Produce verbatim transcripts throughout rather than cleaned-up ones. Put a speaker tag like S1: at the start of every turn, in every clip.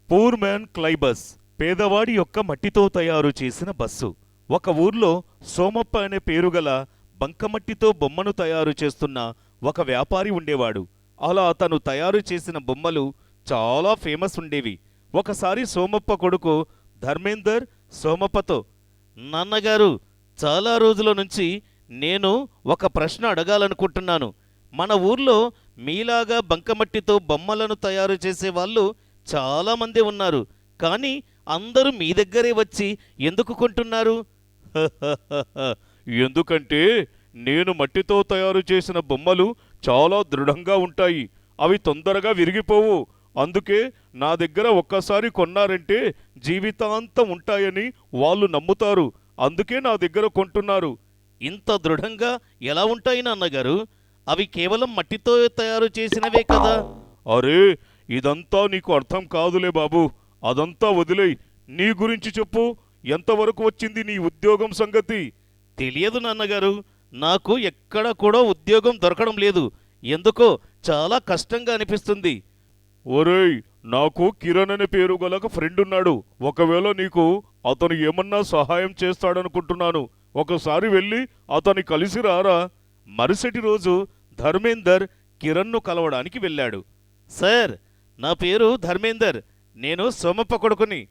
S1: Poor man క్లై bus, పేదవాడి యొక్క మట్టితో తయారు చేసిన బస్సు. ఒక ఊర్లో సోమప్ప అనే పేరుగల బంకమట్టితో బొమ్మను తయారు చేస్తున్న ఒక వ్యాపారి ఉండేవాడు. అలా అతను తయారు చేసిన బొమ్మలు చాలా ఫేమస్ ఉండేవి. ఒకసారి సోమప్ప కొడుకు ధర్మేందర్ సోమప్పతో, నాన్నగారు, చాలా రోజుల నుంచి నేను ఒక ప్రశ్న అడగాలనుకుంటున్నాను. మన ఊర్లో మీలాగా బంకమట్టితో బొమ్మలను తయారు చేసేవాళ్ళు చాలామంది ఉన్నారు, కానీ అందరూ మీ దగ్గరే వచ్చి ఎందుకు కొంటున్నారు? ఎందుకంటే నేను మట్టితో తయారు చేసిన బొమ్మలు చాలా దృఢంగా ఉంటాయి, అవి తొందరగా విరిగిపోవు. అందుకే నా దగ్గర ఒక్కసారి కొన్నారంటే జీవితాంతం ఉంటాయని వాళ్ళు నమ్ముతారు. అందుకే నా దగ్గర కొంటున్నారు. ఇంత దృఢంగా ఎలా ఉంటాయి నాన్నగారు? అవి కేవలం మట్టితో తయారు చేసినవే కదా. అరే, ఇదంతా నీకు అర్థం కాదులే బాబు. అదంతా వదిలేయ్. నీ గురించి చెప్పు. ఎంతవరకు వచ్చింది నీ ఉద్యోగం సంగతి? తెలియదు నాన్నగారు, నాకు ఎక్కడ కూడా ఉద్యోగం దొరకడం లేదు. ఎందుకో చాలా కష్టంగా అనిపిస్తుంది. ఒరేయ్, నాకు కిరణ్ అనే పేరు గల ఒక ఫ్రెండ్ ఉన్నాడు. ఒకవేళ నీకు అతను ఏమన్నా సహాయం చేస్తాడనుకుంటున్నాను. ఒకసారి వెళ్ళి అతని కలిసి రారా. మరుసటి రోజు ధర్మేందర్ కిరణ్ను కలవడానికి వెళ్ళాడు. సార్, నా పేరు ధర్మేందర్, నేను సోమప్ప కొడుకుని.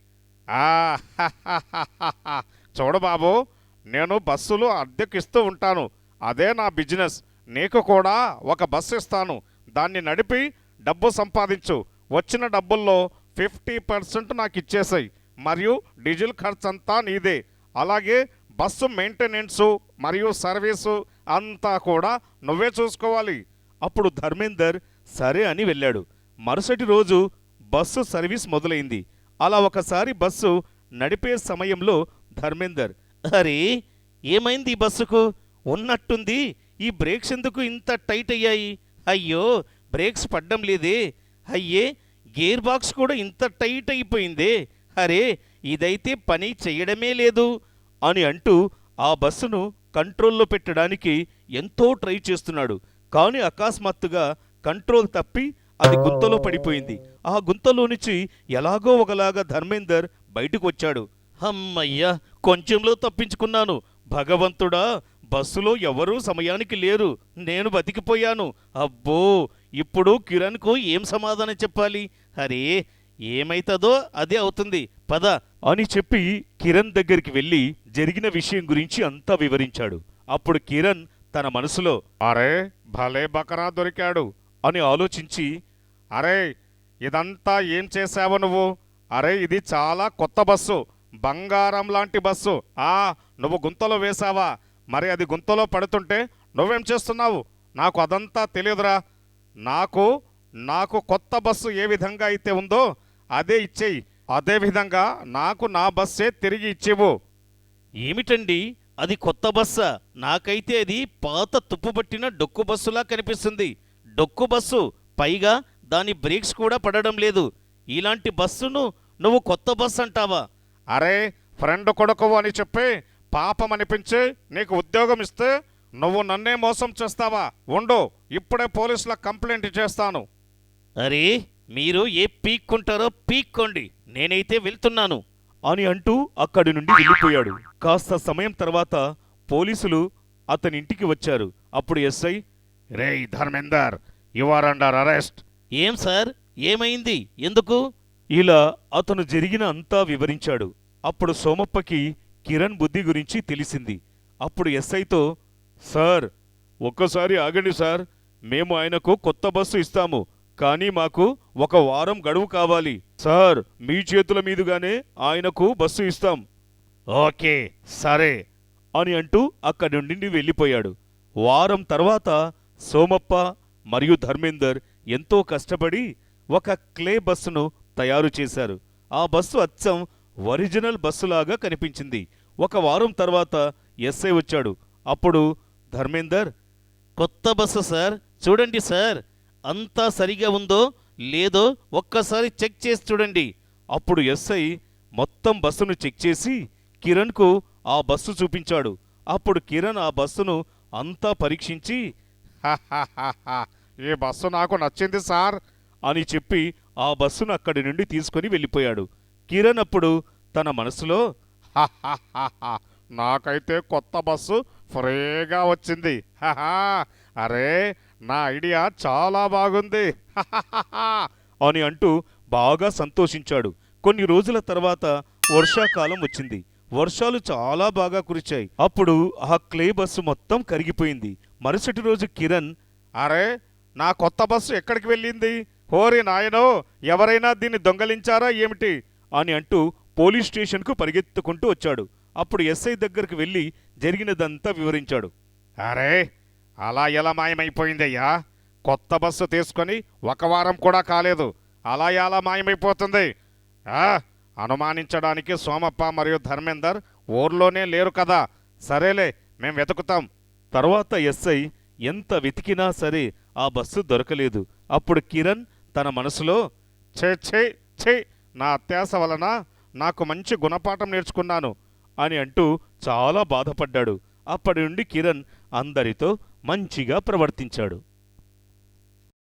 S2: చూడు బాబు, నేను బస్సులు అద్దెకిస్తూ ఉంటాను. అదే నా బిజినెస్. నీకు కూడా ఒక బస్సు ఇస్తాను. దాన్ని నడిపి డబ్బు సంపాదించు. వచ్చిన డబ్బుల్లో ఫిఫ్టీ పర్సెంట్ నాకు ఇచ్చేసాయి. మరియు డీజిల్ ఖర్చంతా నీదే. అలాగే బస్సు మెయింటెనెన్సు మరియు సర్వీసు అంతా కూడా నువ్వే చూసుకోవాలి.
S1: అప్పుడు ధర్మేందర్ సరే అని వెళ్ళాడు. మరుసటి రోజు బస్సు సర్వీస్ మొదలైంది. అలా ఒకసారి బస్సు నడిపే సమయంలో ధర్మేందర్, అరే, ఏమైంది ఈ బస్సుకు? ఉన్నట్టుంది ఈ బ్రేక్స్ ఎందుకు ఇంత టైట్ అయ్యాయి? అయ్యో, బ్రేక్స్ పడ్డం లేదే. అయ్యే, గేర్ బాక్స్ కూడా ఇంత టైట్ అయిపోయిందే. అరే, ఇదైతే పని చెయ్యడమే లేదు అని అంటూ ఆ బస్సును కంట్రోల్లో పెట్టడానికి ఎంతో ట్రై చేస్తున్నాడు. కానీ అకస్మాత్తుగా కంట్రోల్ తప్పి అది గుంతలో పడిపోయింది. ఆ గుంతలో నుంచి ఎలాగో ఒకలాగా ధర్మేందర్ బయటకు వచ్చాడు. అమ్మయ్యా, కొంచెంలో తప్పించుకున్నాను. భగవంతుడా, బస్సులో ఎవరూ సమయానికి లేరు. నేను బతికిపోయాను. అబ్బో, ఇప్పుడు కిరణ్కు ఏం సమాధానం చెప్పాలి? అరే, ఏమైతుందో అదే అవుతుంది, పద అని చెప్పి కిరణ్ దగ్గరికి వెళ్ళి జరిగిన విషయం గురించి అంతా వివరించాడు. అప్పుడు కిరణ్ తన మనసులో,
S2: అరే, భలే బకరా దొరికాడు
S1: అని ఆలోచించి,
S2: అరే, ఇదంతా ఏం చేశావు నువ్వు? అరే, ఇది చాలా కొత్త బస్సు, బంగారం లాంటి బస్సు. ఆ నువ్వు గుంతలో వేశావా? మరి అది గుంతలో పడుతుంటే నువ్వేం చేస్తున్నావు? నాకు అదంతా తెలియదురా. నాకు నాకు కొత్త బస్సు ఏ విధంగా అయితే ఉందో అదే ఇచ్చేయి. అదేవిధంగా నాకు నా బస్సే తిరిగి ఇచ్చేవు.
S1: ఏమిటండి, అది కొత్త బస్సా? నాకైతే అది పాత తుప్పుపట్టిన డొక్కు బస్సులా కనిపిస్తుంది. డొక్కు బస్సు, పైగా దాని బ్రేక్స్ కూడా పడడం లేదు. ఇలాంటి బస్సును నువ్వు కొత్త బస్సు అంటావా?
S2: అరే, ఫ్రెండ్ కొడుకు అని చెప్పి పాపం అనిపించి నీకు ఉద్యోగం ఇస్తే నువ్వు నన్నే మోసం చేస్తావా? ఉండు, ఇప్పుడే పోలీసులకు కంప్లైంట్ చేస్తాను.
S1: అరే, మీరు ఏ పీక్కుంటారో పీక్కోండి, నేనైతే వెళ్తున్నాను అని అంటూ అక్కడి నుండి వెళ్ళిపోయాడు. కాస్త సమయం తర్వాత పోలీసులు అతని ఇంటికి వచ్చారు. అప్పుడు ఎస్ఐ,
S2: రేయ్ Dharmender, you are under arrest.
S1: ఏం సార్, ఏమైంది? ఎందుకు? ఇలా అతను జరిగిన అంతా వివరించాడు. అప్పుడు సోమప్పకి కిరణ్ బుద్ధి గురించి తెలిసింది. అప్పుడు ఎస్ఐతో, సార్, ఒక్కసారి ఆగండి సార్. మేము ఆయనకు కొత్త బస్సు ఇస్తాము, కానీ మాకు ఒక వారం గడువు కావాలి. సార్, మీ చేతుల మీదుగానే ఆయనకు బస్సు ఇస్తాం.
S2: ఓకే, సరే
S1: అని అంటూ అక్కడి నుండి వెళ్ళిపోయాడు. వారం తర్వాత సోమప్ప మరియు ధర్మేందర్ ఎంతో కష్టపడి ఒక క్లే బస్సును తయారు చేశారు. ఆ బస్సు అచ్చం ఒరిజినల్ బస్సులాగా కనిపించింది. ఒక వారం తర్వాత ఎస్ఐ వచ్చాడు. అప్పుడు ధర్మేందర్, కొత్త బస్సు సార్, చూడండి సార్, అంతా సరిగా ఉందో లేదో ఒక్కసారి చెక్ చేసి చూడండి. అప్పుడు ఎస్ఐ మొత్తం బస్సును చెక్ చేసి కిరణ్కు ఆ బస్సు చూపించాడు. అప్పుడు కిరణ్ ఆ బస్సును అంతా పరీక్షించి,
S2: ఈ బస్సు నాకు నచ్చింది సార్
S1: అని చెప్పి ఆ బస్సును అక్కడి నుండి తీసుకుని వెళ్ళిపోయాడు. కిరణ్ అప్పుడు తన మనసులో
S2: హహహహ. నాకైతే కొత్త బస్సు ఫ్రీగా వచ్చింది. హహా. అరే, నా ఐడియా చాలా బాగుంది. హహహహ.
S1: అని అంటూ బాగా సంతోషించాడు. కొన్ని రోజుల తర్వాత వర్షాకాలం వచ్చింది. వర్షాలు చాలా బాగా కురిచాయి. అప్పుడు ఆ క్లే బస్సు మొత్తం కరిగిపోయింది. మరుసటి రోజు కిరణ్,
S2: అరే, నా కొత్త బస్సు ఎక్కడికి వెళ్ళింది? హోరి నాయనో, ఎవరైనా దీన్ని దొంగలించారా ఏమిటి?
S1: అని అంటూ పోలీస్ స్టేషన్కు పరిగెత్తుకుంటూ వచ్చాడు. అప్పుడు ఎస్ఐ దగ్గరికి వెళ్ళి జరిగినదంతా వివరించాడు.
S2: అరే, అలా ఎలా మాయమైపోయిందయ్యా? కొత్త బస్సు తీసుకొని ఒక వారం కూడా కాలేదు, అలా ఎలా మాయమైపోతుంది? ఆ, అనుమానించడానికి సోమప్ప మరియు ధర్మేందర్ ఊర్లోనే లేరు కదా. సరేలే, మేం వెతుకుతాం.
S1: తర్వాత ఎస్ఐ ఎంత వెతికినా సరే ఆ బస్సు దొరకలేదు. అప్పుడు కిరణ్ తన మనసులో,
S2: ఛే ఛే ఛే, నా అత్యాస వలన నాకు మంచి గుణపాఠం నేర్చుకున్నాను
S1: అని అంటూ చాలా బాధపడ్డాడు. అప్పటి నుండి కిరణ్ అందరితో మంచిగా ప్రవర్తించాడు.